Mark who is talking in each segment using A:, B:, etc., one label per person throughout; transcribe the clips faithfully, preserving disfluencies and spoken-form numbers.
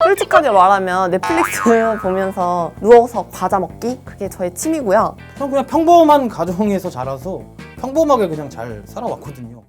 A: 솔직하게 말하면 넷플릭스 보면서 누워서 과자 먹기? 그게 저의 취미고요.
B: 저는 그냥 평범한 가정에서 자라서 평범하게 그냥 잘 살아왔거든요.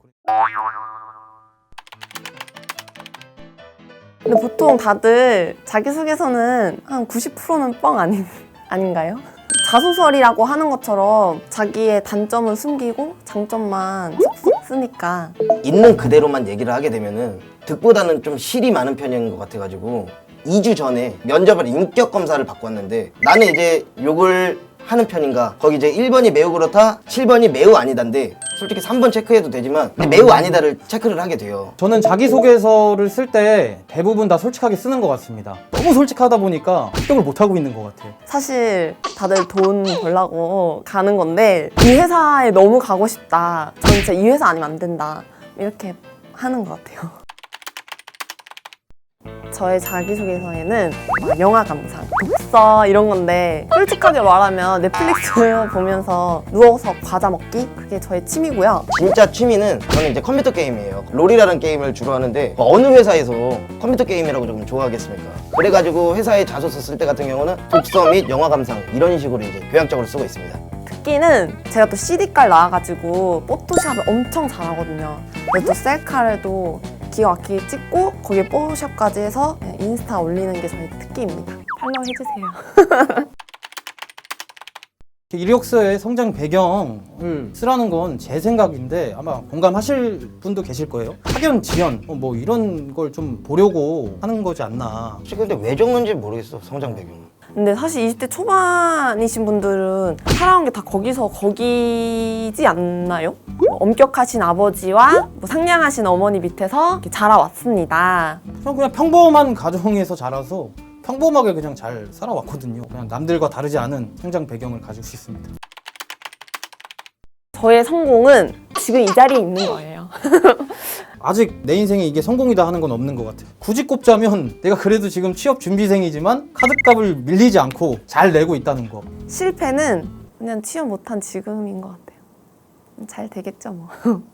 A: 근데 보통 다들 자기소개서는 한 구십 퍼센트는 뻥 아닌, 아닌가요? 자소설이라고 하는 것처럼 자기의 단점은 숨기고 장점만 쏙쏙 쓰니까.
C: 있는 그대로만 얘기를 하게 되면은 득보다는 좀 실이 많은 편인 것 같아가지고 이 주 전에 면접을 인격 검사를 받고 왔는데 나는 이제 욕을 하는 편인가, 거기 이제 일 번이 매우 그렇다, 칠 번이 매우 아니다인데 솔직히 삼 번 체크해도 되지만 매우 아니다를 체크를 하게 돼요.
B: 저는 자기소개서를 쓸 때 대부분 다 솔직하게 쓰는 것 같습니다. 너무 솔직하다 보니까 합격을 못하고 있는 것 같아요.
A: 사실 다들 돈 벌려고 가는 건데 이 회사에 너무 가고 싶다, 전 진짜 이 회사 아니면 안 된다, 이렇게 하는 것 같아요. 저의 자기소개서에는 막 영화 감상, 독서 이런 건데 솔직하게 말하면 넷플릭스 보면서 누워서 과자 먹기? 그게 저의 취미고요.
C: 진짜 취미는 저는 이제 컴퓨터 게임이에요. 롤이라는 게임을 주로 하는데 어느 회사에서 컴퓨터 게임이라고 조금 좋아하겠습니까? 그래가지고 회사에 자소서 쓸 때 같은 경우는 독서 및 영화 감상 이런 식으로 이제 교양적으로 쓰고 있습니다.
A: 특기는 제가 또 씨디깔 나와가지고 포토샵을 엄청 잘하거든요. 그래서 또 셀카를 기가 막히게 찍고 거기에 포토샵까지 해서 인스타 올리는 게 저의 특기입니다. 팔로우 해주세요.
B: 이력서에 성장 배경을 쓰라는 건 제 생각인데 아마 공감하실 분도 계실 거예요. 학연, 지연 뭐 이런 걸 좀 보려고 하는 거지 않나.
C: 혹시 근데 왜 적는지 모르겠어, 성장 배경은.
A: 근데 사실 이십 대 초반이신 분들은 살아온 게 다 거기서 거기지 않나요? 뭐 엄격하신 아버지와 뭐 상냥하신 어머니 밑에서 이렇게 자라왔습니다.
B: 저는 그냥 평범한 가정에서 자라서 평범하게 그냥 잘 살아왔거든요. 그냥 남들과 다르지 않은 성장 배경을 가지고 있습니다.
A: 저의 성공은 지금 이 자리에 있는 거예요.
B: 아직 내 인생에 이게 성공이다 하는 건 없는 것 같아요. 굳이 꼽자면 내가 그래도 지금 취업 준비생이지만 카드값을 밀리지 않고 잘 내고 있다는 거.
A: 실패는 그냥 취업 못한 지금인 것 같아요. 잘 되겠죠 뭐.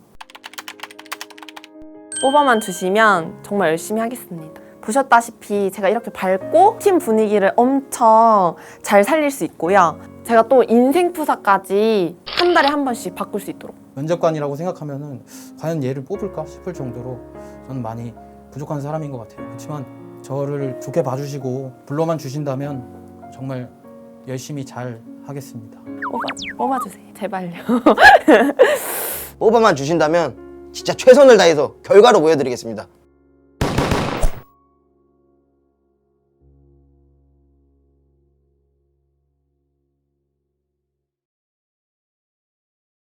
A: 뽑아만 주시면 정말 열심히 하겠습니다. 보셨다시피 제가 이렇게 밝고 팀 분위기를 엄청 잘 살릴 수 있고요. 제가 또 인생 프사까지 한 달에 한 번씩 바꿀 수 있도록.
B: 면접관이라고 생각하면은 과연 얘를 뽑을까 싶을 정도로 저는 많이 부족한 사람인 것 같아요. 그렇지만 저를 좋게 봐주시고 불러만 주신다면 정말 열심히 잘 하겠습니다.
A: 뽑아, 뽑아주세요. 제발요.
C: 뽑아만 주신다면 진짜 최선을 다해서 결과로 보여드리겠습니다.